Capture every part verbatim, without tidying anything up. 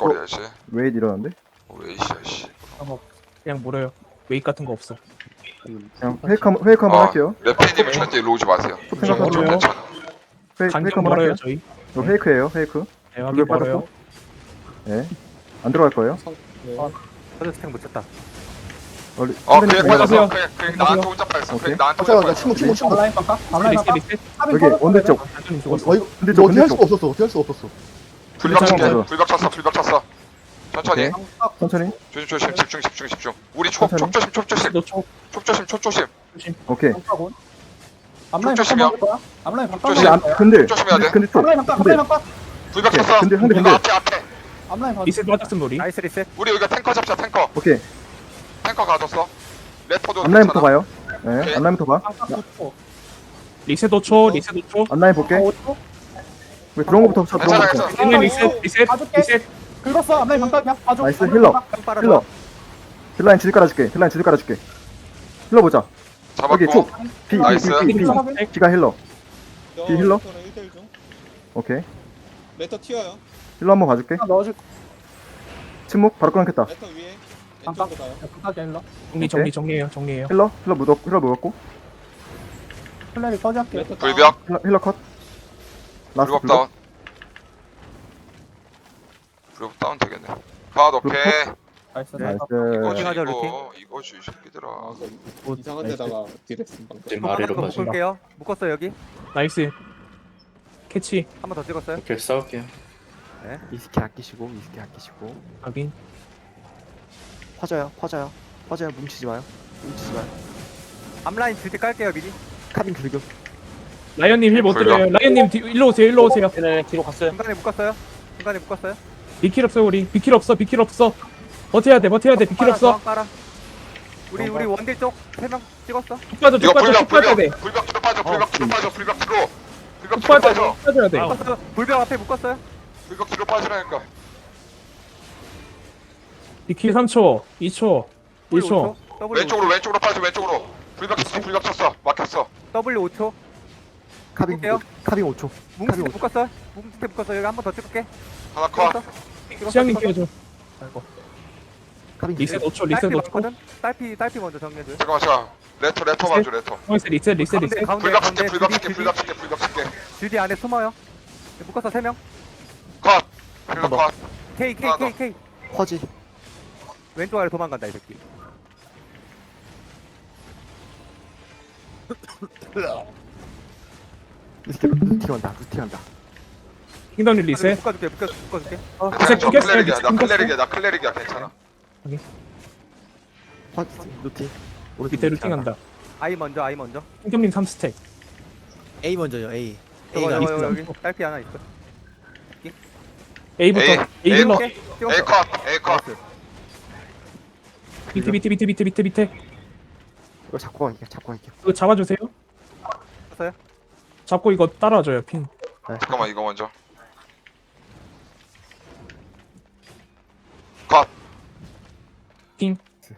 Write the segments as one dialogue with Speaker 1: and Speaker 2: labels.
Speaker 1: 꼴거려야지.
Speaker 2: 웨이 일어났는데?
Speaker 1: 왜 이씨야 씨.
Speaker 3: 어, 그냥 물어요. 웨이트 같은 거 없어.
Speaker 2: 그냥 페이크 한번 페이크 한번
Speaker 1: 어,
Speaker 2: 할게요.
Speaker 1: 레페님은 절대 일로 오지 마세요.
Speaker 2: 포텐
Speaker 1: 저,
Speaker 2: 한번
Speaker 1: 저
Speaker 3: 멀어요.
Speaker 1: 괜찮아.
Speaker 2: 페이크 페이크
Speaker 3: 간격
Speaker 2: 한번
Speaker 3: 멀어요
Speaker 2: 할게요.
Speaker 3: 저희.
Speaker 2: 이거 페이크예요, 페이크.
Speaker 3: 네, 확인
Speaker 2: 불벽
Speaker 3: 멀어요.
Speaker 2: 예. 안 들어갈 거예요.
Speaker 4: 서드 스택 못 쳤다.
Speaker 2: 원래
Speaker 1: 어,
Speaker 2: 선생님
Speaker 1: 그냥
Speaker 2: 중에
Speaker 1: 빠졌어.
Speaker 3: 안녕하세요.
Speaker 1: 그냥, 그냥 나한테 혼자 빠졌어.
Speaker 2: 오케이.
Speaker 1: 그냥 나한테
Speaker 5: 잠깐만,
Speaker 1: 혼자
Speaker 5: 나 침묵,
Speaker 1: 빠졌어.
Speaker 5: 침묵, 침묵.
Speaker 6: 온라인 빡까? 온라인
Speaker 3: 리셋
Speaker 6: 빡까?
Speaker 3: 리셋.
Speaker 2: 여기 원대 쪽.
Speaker 3: 단순히
Speaker 5: 어,
Speaker 3: 죽었어.
Speaker 5: 어, 이거
Speaker 2: 근데
Speaker 5: 너
Speaker 2: 저
Speaker 5: 어떻게 할
Speaker 2: 근데
Speaker 5: 수가 없었어. 어떻게 할 수가 없었어.
Speaker 1: 불벽 칠게.
Speaker 2: 괜찮아.
Speaker 1: 불벽 쳤어. 불벽 쳤어. 천천히.
Speaker 2: 오케이. 천천히.
Speaker 1: 조심 조심. 집중 집중 집중. 우리 촉,
Speaker 2: 천천히.
Speaker 1: 촉 조심 촉 조심.
Speaker 3: 너초
Speaker 1: 촉 조심 촉 조심.
Speaker 2: 오케이.
Speaker 6: 빡까곤? 앞라인
Speaker 1: 조심이요.
Speaker 6: 빡까 거야? 앞라인 빡까
Speaker 1: 조심.
Speaker 2: 근데 안 근데
Speaker 1: 조심해야 돼.
Speaker 2: 근데 또
Speaker 6: 앞라인 빡까
Speaker 2: 근데
Speaker 6: 앞라인 빡까
Speaker 1: 불벽
Speaker 2: 오케이.
Speaker 1: 쳤어.
Speaker 2: 근데 근데
Speaker 1: 이거
Speaker 2: 근데
Speaker 1: 앞에 앞에.
Speaker 6: 앞라인 봐
Speaker 3: 리셋 맞았음 우리.
Speaker 4: 나이스 리셋.
Speaker 1: 우리 여기가 탱커 잡자 탱커.
Speaker 2: 오케이.
Speaker 1: 탱커 가뒀어. 레터도
Speaker 2: 앞라인부터
Speaker 1: 괜찮아.
Speaker 2: 봐요. 예.
Speaker 1: 오케이.
Speaker 2: 앞라인부터 봐.
Speaker 6: 빡까 구 초
Speaker 3: 리셋 오 초. 리셋 오 초.
Speaker 2: 앞라인 볼게.
Speaker 6: 오 초?
Speaker 2: 왜 들어온 거부터 쳐. 들어온
Speaker 1: 괜찮아
Speaker 2: 거부터.
Speaker 1: 괜찮아.
Speaker 3: 리셋 리셋 리셋
Speaker 6: 봐줄게.
Speaker 3: 리셋.
Speaker 6: 긁었어 앞라인 빡까 그냥 봐줘
Speaker 2: 나이스,
Speaker 6: 앞라인
Speaker 2: 힐러.
Speaker 6: 빡까.
Speaker 4: 좀 빨아줘.
Speaker 2: 힐러. 힐라인 지지 깔아줄게. 힐라인 지지 깔아줄게. 힐러 보자. 여기
Speaker 1: 잡았고.
Speaker 2: 촉. 비, 비,
Speaker 1: 나이스.
Speaker 2: 비, 비, 비.
Speaker 6: 확인.
Speaker 2: 비가 힐러. 뒤 힐러?
Speaker 7: 일 대 일 중.
Speaker 2: 오케이.
Speaker 7: 레터 튀어요.
Speaker 2: 힐러 한번 봐줄게.
Speaker 6: 하나 넣어줄
Speaker 2: 침묵 바로 끊겠다.
Speaker 7: 레터 위에.
Speaker 6: 깜빡.
Speaker 7: 왼쪽으로 가요.
Speaker 6: 빡까 힐러
Speaker 3: 정리 정리 정리해요 정리해요.
Speaker 2: 힐러 힐러 묻었고 힐러 묻었고
Speaker 6: 플레이 꺼지할게
Speaker 7: 레터 다운.
Speaker 1: 불벽.
Speaker 2: 힐러, 힐러 컷. 라스트
Speaker 1: 불벽 다운. 불벽 다운 되겠네. 컷 오케이.
Speaker 6: 나이스
Speaker 4: 네.
Speaker 6: 나이스
Speaker 1: 이거
Speaker 4: 루팅 하자, 루팅.
Speaker 1: 이거 이거지 이 새끼들아.
Speaker 7: 아, 그 이상한 데다가 딜했음 방금.
Speaker 8: 지금 아래로
Speaker 4: 한번
Speaker 8: 가시면
Speaker 4: 묶을게요. 묶었어 여기.
Speaker 3: 나이스. 캐치
Speaker 4: 한 번 더 찍었어요.
Speaker 8: 이렇게 싸울게요.
Speaker 9: 이스키 아끼시고 이스키 아끼시고
Speaker 3: 확인.
Speaker 9: 퍼져요 퍼져요 퍼져요 뭉치지 마요 뭉치지 마요
Speaker 4: 앞라인 줄때 깔게요 미리.
Speaker 9: 카빈 불교
Speaker 3: 라이언님 힐 못
Speaker 1: 불벽.
Speaker 3: 드려요. 라이언님 뒤, 일로 오세요 일로 오세요.
Speaker 8: 네, 뒤로 갔어요.
Speaker 4: 중간에 묶었어요. 중간에 묶었어요.
Speaker 3: 비킬 없어 우리. 비킬 없어 비킬 없어. 버텨야 돼 버텨야 돼. 비킬
Speaker 4: 빨아,
Speaker 3: 없어.
Speaker 4: 저항 빨아. 우리 우리 원딜 쪽 세 명 찍었어.
Speaker 3: 쭉 빠져 쭉
Speaker 1: 이거
Speaker 3: 빠져
Speaker 1: 불벽
Speaker 3: 쭉 빠져야 돼.
Speaker 1: 불벽 불벽 뒤로 빠져. 불벽 뒤로 빠져. 불벽 뒤로. 불벽
Speaker 3: 쭉
Speaker 1: 뒤로
Speaker 3: 빠져
Speaker 1: 빠져.
Speaker 3: 쭉 빠져야 돼.
Speaker 4: 묶었어. 불벽 앞에 묶었어요.
Speaker 1: 불벽 뒤로 빠지라니까.
Speaker 3: 비킬 삼 초, 이 초, 일
Speaker 4: W
Speaker 3: 초.
Speaker 4: 오 초. W
Speaker 1: 왼쪽으로 왼쪽으로 빠져. 왼쪽으로. 불벽 쳤어. 불벽 쳤어. 막혔어.
Speaker 4: W 오 초.
Speaker 9: 카빈
Speaker 4: 볼게요.
Speaker 9: 카빈 오 초
Speaker 4: 뭉치
Speaker 9: 카빈 오 초
Speaker 4: 묶었어. 뭉치 묶었어. 여기 한 번 더 찍을게.
Speaker 1: 하나 컷.
Speaker 4: 찍었어.
Speaker 3: 시장님
Speaker 4: 찍었어.
Speaker 3: 끼워줘. 아이고.
Speaker 9: 카빈
Speaker 3: 리셋 오 초,
Speaker 4: 딸피
Speaker 3: 리셋 오 초.
Speaker 4: 많거든. 딸피 딸피 먼저 정리해줘.
Speaker 1: 잠깐만 자. 레터 레터 봐줘 레터.
Speaker 3: 리셋, 리셋, 리셋,
Speaker 4: 가운데
Speaker 3: 리셋.
Speaker 4: 가운데
Speaker 1: 불벽 칠게
Speaker 4: 가운데
Speaker 1: 불벽
Speaker 4: 주디
Speaker 1: 칠게
Speaker 4: 주디
Speaker 1: 불벽 칠게 불벽 칠게.
Speaker 4: 주디 안에 숨어요. 묶었어 세 명.
Speaker 1: 컷. 힐러 컷.
Speaker 4: K K
Speaker 1: 하나
Speaker 4: K
Speaker 1: 더.
Speaker 4: K.
Speaker 9: 퍼지
Speaker 4: 왼쪽 아래 도망간다 이 새끼.
Speaker 9: 이스키 루티 간다 루티 간다
Speaker 3: 킹덤님 리셋.
Speaker 4: 묶어줄게 묶어 묶어줄게.
Speaker 1: 괜찮아. 저
Speaker 3: 끊겼어요,
Speaker 1: 클레릭이야. 나
Speaker 3: 끊겼어요.
Speaker 1: 클레릭이야. 나 클레릭이야. 괜찮아.
Speaker 9: 퍼 루티 오른쪽
Speaker 3: 밑에
Speaker 9: 루티 간다.
Speaker 3: 루팅한다.
Speaker 4: 아이 먼저 아이 먼저.
Speaker 3: 킹덤님 삼 스택.
Speaker 5: A 먼저요 A
Speaker 4: 저거
Speaker 5: A가
Speaker 4: 저거
Speaker 3: 있어.
Speaker 4: 여기 딸피 하나 있어.
Speaker 3: A부터.
Speaker 1: A,
Speaker 3: A 힐러.
Speaker 4: 오케이,
Speaker 1: A
Speaker 4: 찍었어.
Speaker 1: 컷. A 컷.
Speaker 4: 나이스.
Speaker 3: 밑에, 밑에, 밑에, 밑에, 밑에, 밑에.
Speaker 9: 이거 잡고 갈게요 잡고 갈게요
Speaker 3: 이거 잡아주세요.
Speaker 4: 잡았어요?
Speaker 3: 잡고 이거 따라와줘요 핀.
Speaker 9: 네.
Speaker 1: 잠깐만 이거 먼저. 컷.
Speaker 3: 핑.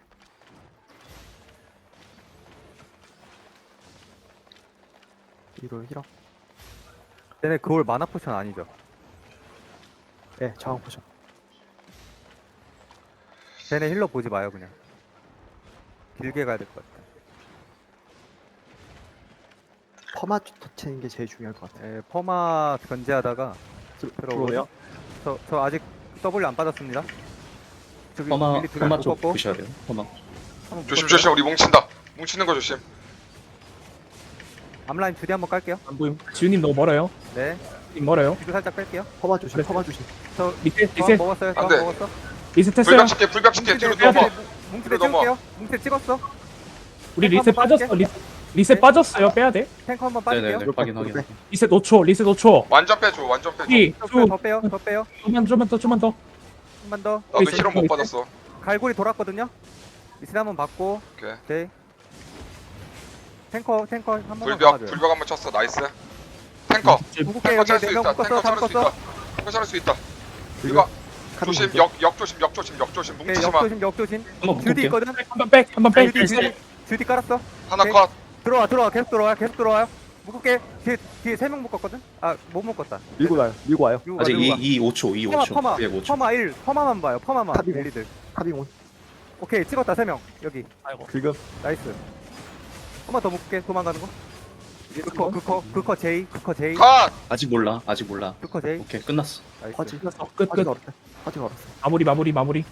Speaker 9: 뒤로 힐업
Speaker 4: 얘네 그걸 마나 포션 아니죠?
Speaker 9: 예 저항 포션
Speaker 4: 쟤네 힐러 보지 마요 그냥. 길게 가야 될 것 같아.
Speaker 9: 퍼마 터치는 게 제일 중요할 것 같아요
Speaker 4: 예, 퍼마 견제하다가
Speaker 9: 들어오네요
Speaker 4: 저, 저 아직 W 안 빠졌습니다. 저기
Speaker 8: 퍼마,
Speaker 4: 밀리 두개
Speaker 8: 퍼마 쪽
Speaker 4: 묶었고,
Speaker 8: 보셔야 돼요. 퍼마.
Speaker 4: 한번
Speaker 1: 조심
Speaker 4: 묶었어요.
Speaker 1: 조심 우리 뭉친다. 뭉치는 거 조심.
Speaker 4: 앞라인 주디 한번 깔게요.
Speaker 3: 안 보임. 지훈님 너무 멀어요.
Speaker 4: 네.
Speaker 3: 님 멀어요.
Speaker 4: 뒤로 살짝 뺄게요.
Speaker 9: 퍼마 조심
Speaker 3: 네.
Speaker 9: 퍼마 조심
Speaker 4: 저
Speaker 3: 리셋,
Speaker 4: 저항
Speaker 3: 리셋,
Speaker 4: 먹었어요.
Speaker 1: 안
Speaker 4: 저항
Speaker 1: 돼.
Speaker 4: 먹었어.
Speaker 3: 리셋했어요.
Speaker 1: 불벽 칠게 불벽 칠게 뒤로
Speaker 4: 뭉치대
Speaker 1: 넘어.
Speaker 4: 뭉치대
Speaker 1: 뒤로 넘어.
Speaker 4: 찍을게요. 뭉치대 찍었어.
Speaker 3: 우리
Speaker 4: 탱커
Speaker 3: 리셋
Speaker 4: 한번
Speaker 3: 빠졌어.
Speaker 4: 빠질게.
Speaker 3: 리셋, 리셋
Speaker 4: 네.
Speaker 3: 빠졌어요. 빼야 돼.
Speaker 4: 탱커 한번
Speaker 8: 네네네.
Speaker 4: 빠질게요.
Speaker 8: 확인 확인.
Speaker 3: 리셋 오 초, 리셋 오 초.
Speaker 1: 완전 빼줘 완전 빼줘.
Speaker 3: 삼, 이,
Speaker 4: 더 빼요, 더
Speaker 3: 이,
Speaker 4: 빼요. 더 빼요.
Speaker 3: 좀만, 좀만 더, 좀만 더.
Speaker 4: 한 번 더.
Speaker 1: 나도
Speaker 3: 리셋,
Speaker 1: 힐러 못
Speaker 3: 리셋.
Speaker 1: 받았어.
Speaker 4: 갈고리 돌았거든요. 리셋 한번 받고.
Speaker 1: 오케이.
Speaker 4: 오케이. 탱커 탱커 한 번만
Speaker 1: 불벽
Speaker 4: 막아줘요.
Speaker 1: 불벽 한번 쳤어. 나이스. 탱커.
Speaker 4: 궁극기
Speaker 1: 탱커
Speaker 4: 여기
Speaker 1: 찰 수
Speaker 4: 네명
Speaker 1: 있다.
Speaker 4: 묶었어.
Speaker 1: 탱커
Speaker 4: 다
Speaker 1: 찰 수
Speaker 4: 묶었어.
Speaker 1: 있다. 탱커 찰 수 있다. 이거
Speaker 9: 카빈
Speaker 1: 조심
Speaker 9: 불교.
Speaker 1: 역 역 조심 역 조심 역 조심
Speaker 4: 오케이,
Speaker 1: 뭉치지 마.
Speaker 4: 역조심 역조심.
Speaker 8: 한번
Speaker 4: 주디
Speaker 8: 묶을게요.
Speaker 4: 있거든.
Speaker 3: 한번 백, 한번 백.
Speaker 4: 주디 주디 주디 깔았어.
Speaker 1: 하나
Speaker 4: 오케이.
Speaker 1: 컷.
Speaker 4: 들어와 들어와 계속 들어와 계속 들어와요. 묶을게. 뒤에 뒤에 세 명 묶었거든. 아 못 묶었다.
Speaker 6: 밀고 가요. 밀고 와요.
Speaker 4: 밀고 가,
Speaker 8: 아직
Speaker 4: 밀고 가.
Speaker 8: 이 오 초 이 오
Speaker 4: 퍼마
Speaker 8: 초
Speaker 4: 퍼마
Speaker 8: 구백 오 초.
Speaker 4: 퍼마 일 퍼마만 봐요. 퍼마만
Speaker 2: 탑이고.
Speaker 4: 엘리들.
Speaker 2: 카빙온.
Speaker 4: 오케이 찍었다 세 명 여기.
Speaker 6: 지금.
Speaker 4: 나이스. 한번 더 묶게 도망가는 거. 그커 그커 그커 제이 그커 제이
Speaker 1: 컷!
Speaker 8: 아직 몰라 아직 몰라.
Speaker 4: 그커 제이.
Speaker 8: 오케이 끝났어.
Speaker 4: 나이스.
Speaker 2: 화지.
Speaker 3: 끝, 끝.
Speaker 2: 화지가 어때? 화지가 어때?
Speaker 3: 마무리, 마무리, 마무리.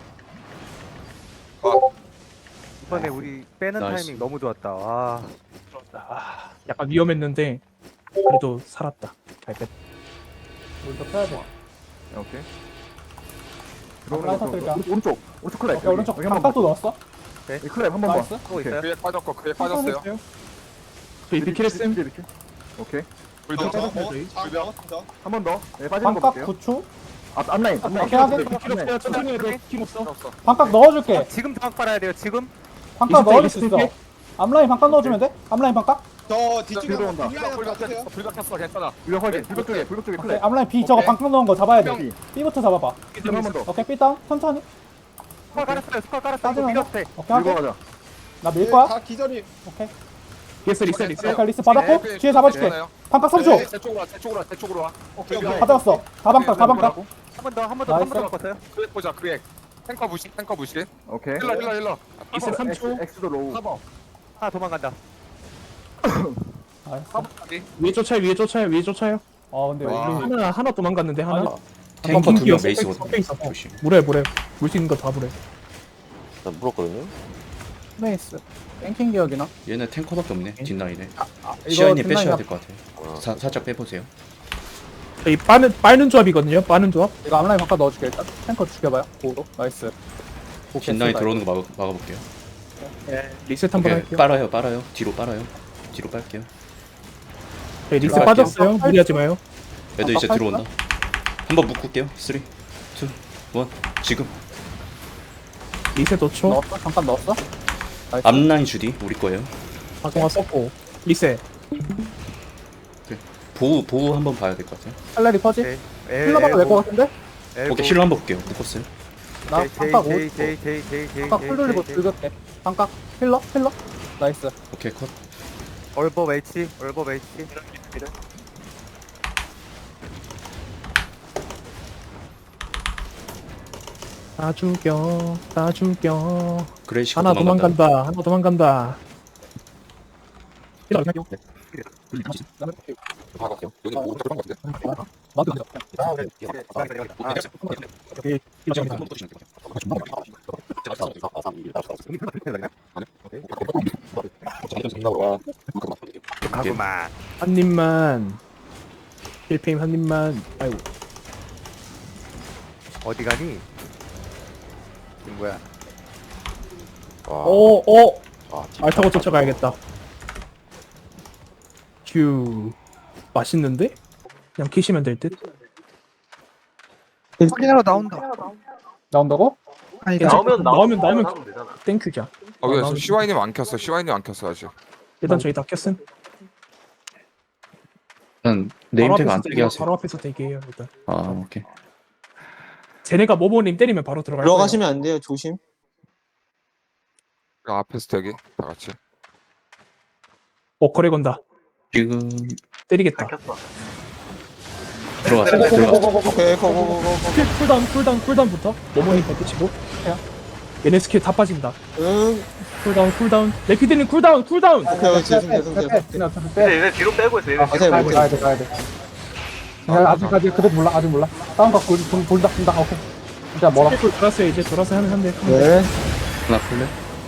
Speaker 4: 이번에 우리 빼는
Speaker 8: 나이스.
Speaker 4: 타이밍 너무 좋았다. 와.
Speaker 3: 아, 약간 위험했는데, 그래도 살았다. 잘 뺐.
Speaker 6: 우리도 펴야 돼.
Speaker 2: 오케이.
Speaker 6: 라이터
Speaker 2: 들어오는
Speaker 6: 뜰까?
Speaker 2: 거 오른쪽 오른쪽 오른쪽 클랩.
Speaker 6: 오케이, 오른쪽
Speaker 2: 여기 한번
Speaker 6: 반각도 넣었어.
Speaker 2: 이 클랩 한번 봐.
Speaker 6: 나이스.
Speaker 4: 또 있어요?
Speaker 1: 그에 빠졌고 그에 빠졌어요.
Speaker 3: 저희 비키레슨.
Speaker 2: 오케이.
Speaker 1: 불벽
Speaker 7: 어,
Speaker 1: 쳤어.
Speaker 7: 어, 잘 나왔습니다.
Speaker 2: 한 번 더. 네, 빠지는 거
Speaker 6: 반각
Speaker 2: 볼게요.
Speaker 6: 구 초.
Speaker 2: 앞 앞라인. 앞라인.
Speaker 6: 오케이, 하게.
Speaker 2: 앞라인.
Speaker 3: 비킬 없어요. 천천히 해도 비킬 없어.
Speaker 1: 없어.
Speaker 6: 반각 넣어줄게.
Speaker 4: 지금 장악 빨아야 돼요. 지금.
Speaker 6: 반각
Speaker 3: 이스택,
Speaker 6: 넣어줄 수 있어.
Speaker 3: 이스택.
Speaker 6: 앞라인 반각 넣어줘면 돼? 앞라인 반각?
Speaker 7: 저 뒤쪽에
Speaker 2: 들어온다.
Speaker 7: 딜라인
Speaker 1: 불벽
Speaker 7: 봐주세요.
Speaker 1: 쳤어. 불벽 쳤어. 괜찮아.
Speaker 2: 불벽 확인. 불벽 쪽에 불벽 쪽에
Speaker 6: 오케이,
Speaker 2: 클랩.
Speaker 6: 앞라인 B 저거
Speaker 1: 오케이.
Speaker 6: 반각 넣은 거 잡아야 돼.
Speaker 2: 여기.
Speaker 6: B부터 잡아봐.
Speaker 2: 한번 더.
Speaker 6: 오케이, B 다운. 천천히.
Speaker 4: 스컬 깔았어요. 스컬 깔았어. 이거
Speaker 6: 빠지면
Speaker 4: 밀어도 돼.
Speaker 6: 오케이,
Speaker 2: 밀고
Speaker 6: 하게.
Speaker 2: 가자.
Speaker 6: 나 밀 거야?
Speaker 7: 다 기절이.
Speaker 6: 오케이.
Speaker 3: 리셋, 리셋, 리셋.
Speaker 6: 오케이, 리스 받았고,
Speaker 1: 네,
Speaker 6: 뒤에 잡아줄게.
Speaker 1: 괜찮아요.
Speaker 6: 반각 삼 초.
Speaker 7: 네.
Speaker 1: 제 쪽으로 와. 제 쪽으로 와. 제 쪽으로 와.
Speaker 7: 오케이 오케이.
Speaker 6: 받았어. 다 반각, 다 반각.
Speaker 4: 한 번 더, 한 번 더, 한 번 더
Speaker 6: 나이스.
Speaker 4: 바꿨어요.
Speaker 1: 그에 보자. 그에. 탱커 무시. 탱커 무시.
Speaker 2: 오케이.
Speaker 1: 힐러 힐러 힐러.
Speaker 3: 리셋 삼 초.
Speaker 2: 엑스- 엑스도 로우.
Speaker 4: 하나 도망간다.
Speaker 6: 나이스.
Speaker 3: 위에 쫓아요, 위에 쫓아요, 위에 쫓아요.
Speaker 6: 어, 근데
Speaker 1: 와.
Speaker 6: 우리
Speaker 3: 하나, 하나 도망갔는데, 하나.
Speaker 6: 아니,
Speaker 8: 탱커
Speaker 3: 긴
Speaker 8: 두명
Speaker 3: 기어,
Speaker 8: 메이스거든.
Speaker 3: 섞여 있어.
Speaker 8: 조심.
Speaker 3: 물에, 물에. 물 수 있는 거 다 물에.
Speaker 9: 나 물었거든요.
Speaker 6: 스페이스. 땡킹 기억이나?
Speaker 8: 얘네 탱커밖에 없네. 뒷라인에.
Speaker 6: 아, 이거
Speaker 8: 시아님
Speaker 6: 뒷라인
Speaker 8: 빼셔야
Speaker 6: 앞-
Speaker 8: 될 것 같아요.
Speaker 9: 어.
Speaker 8: 사, 살짝 빼보세요.
Speaker 3: 저희 빠는, 빠는 조합이거든요, 빠는 조합.
Speaker 6: 이거 앞라인 바꿔 넣어줄게 일단. 탱커 죽여봐요. 고로. 나이스.
Speaker 8: 뒷라인 들어오는 거 막아, 막아볼게요.
Speaker 3: 네. 리셋 한번
Speaker 8: 오케이,
Speaker 3: 할게요.
Speaker 8: 빨아요 빨아요. 뒤로 빨아요. 뒤로 빨게요.
Speaker 3: 저희 리셋
Speaker 6: 들어갈게요.
Speaker 3: 빠졌어요. 무리하지 마요.
Speaker 8: 애들 이제
Speaker 6: 아,
Speaker 8: 들어온다. 한번 묶을게요. 삼, 이, 일. 지금.
Speaker 3: 리셋 오 초.
Speaker 6: 넣었어? 잠깐 넣었어? 나이스.
Speaker 8: 앞라인 주디 우리 거예요.
Speaker 3: 박동화 썼고. 리셋.
Speaker 8: 보호 보호 한번 봐야 될 것 같아요.
Speaker 6: 칼날이 퍼지?
Speaker 4: 오케이.
Speaker 6: 힐러 봐도 될것 같은데?
Speaker 8: 오케이 힐러 한번 볼게요. 묶었어요.
Speaker 6: 나 반각 오
Speaker 4: 제이
Speaker 6: 초.
Speaker 4: 제이 제이 제이 제이
Speaker 6: 반각 풀 돌리고 즐겁게. 반각 힐러? 힐러? 나이스.
Speaker 8: 오케이 컷.
Speaker 4: 얼버 H 얼버 H.
Speaker 3: 다 죽여. 다 죽여.
Speaker 8: 그레이시가
Speaker 3: 하나
Speaker 8: 도망간다.
Speaker 3: 도망간다. 하나 도망간다. 힐러 할게요.
Speaker 1: 박았어. 여기 오른쪽으로 한 것 같은데.
Speaker 3: 맞아. 오케이. 힐러 정리다.
Speaker 4: 가구만.
Speaker 3: 한 입만. 힐페임 한 입만. 아이고.
Speaker 4: 어디 가니? 친구야.
Speaker 3: 오, 오.
Speaker 9: 아,
Speaker 3: 알 타고 쫓아가야겠다. 휴. 맛있는데? 그냥 키시면 될 듯.
Speaker 4: 확인하러 나온다.
Speaker 6: 나온다고?
Speaker 3: 아니, 나오면 나오면 나오면 땡큐자.
Speaker 1: 아, 왜 시와이님 안 켰어? 시와이님 안 켰어 아직.
Speaker 3: 일단 저희 다 켰음.
Speaker 8: 일단
Speaker 3: 바로
Speaker 8: 네임택
Speaker 3: 앞에서
Speaker 8: 안 뜨게
Speaker 3: 대기-
Speaker 8: 하세요.
Speaker 3: 바로 앞에서 대기해요 일단.
Speaker 8: 아 오케이.
Speaker 3: 쟤네가 모모님 때리면 바로 들어갈 거예요.
Speaker 5: 들어가시면 안 돼요. 조심.
Speaker 1: 그 앞에서 대기. 다 같이.
Speaker 3: 어 거래 건다.
Speaker 8: 지금
Speaker 3: 때리겠다.
Speaker 8: 들어갔어요. 들어갔어.
Speaker 5: 오케이, 고고고고.
Speaker 3: 쿨, 쿨다운 쿨다운 쿨다운부터 모모님 버티치고 해요. 얘네 스킬 다 빠진다.
Speaker 5: 응.
Speaker 3: 쿨다운 쿨다운. 레피드님 쿨다운 쿨다운.
Speaker 5: 오케이, 계속 계속 계속.
Speaker 6: 그냥 어차피 빼.
Speaker 9: 얘네 뒤로 빼고 있어. 얘네
Speaker 5: 아,
Speaker 9: 뒤로
Speaker 5: 가세요.
Speaker 6: 가야 돼, 가야 돼, 가야 돼. 야, 아직까지 그래도 몰라, 아직 몰라. 다운 각 돌, 돌, 돌다, 돌다. 오케이. 진짜 멀어.
Speaker 3: 스킬 돌았어요 이제 돌아서 하는 한대.
Speaker 6: 네.
Speaker 8: 하나 풀래?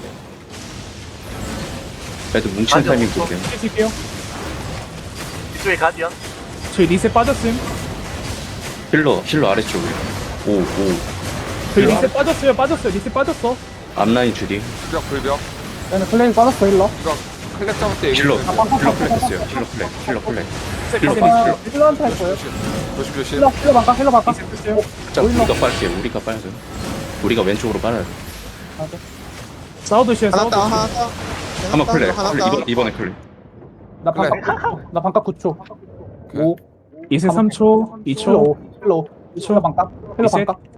Speaker 8: 애들 뭉치는 타이밍 볼게요.
Speaker 3: 해줄게요.
Speaker 9: 뒤쪽에 가디언.
Speaker 3: 저희 리셋 빠졌음.
Speaker 8: 힐러 힐러 아래쪽에. 오 오.
Speaker 3: 저희 리셋 빠졌어요 빠졌어요 리셋 빠졌어.
Speaker 8: 앞라인 주디.
Speaker 1: 불벽 불벽.
Speaker 6: 얘는 플레이 빠졌어, 힐러.
Speaker 1: 이거 클렉 잡을 때 얘기.
Speaker 8: 힐러
Speaker 1: 좀
Speaker 8: 힐러 플렉 했어요. 힐러 플렉. 힐러 플렉. 힐러 플렉.
Speaker 6: 아, 힐러한테 할 거예요.
Speaker 1: 조심 조심 조심.
Speaker 6: 힐러, 힐러 반각, 힐러 반각.
Speaker 3: 리셋 됐어요.
Speaker 8: 자 우리가 빨게요. 우리가 빨아요. 우리가 왼쪽으로 빨아요.
Speaker 3: 사우드시에
Speaker 5: 하나
Speaker 3: 사우드.
Speaker 5: 따, 하나 따.
Speaker 8: 한번 클레.
Speaker 5: 하나
Speaker 8: 클레.
Speaker 5: 따.
Speaker 8: 이번 이번에 클레.
Speaker 6: 나 반각 구 초. 나 반각 구 초. 오.
Speaker 3: 리셋 삼 초 이
Speaker 6: 힐러
Speaker 3: 초
Speaker 6: 오. 힐러 오. 힐러 반각. 힐러
Speaker 3: 리셋.
Speaker 6: 반각.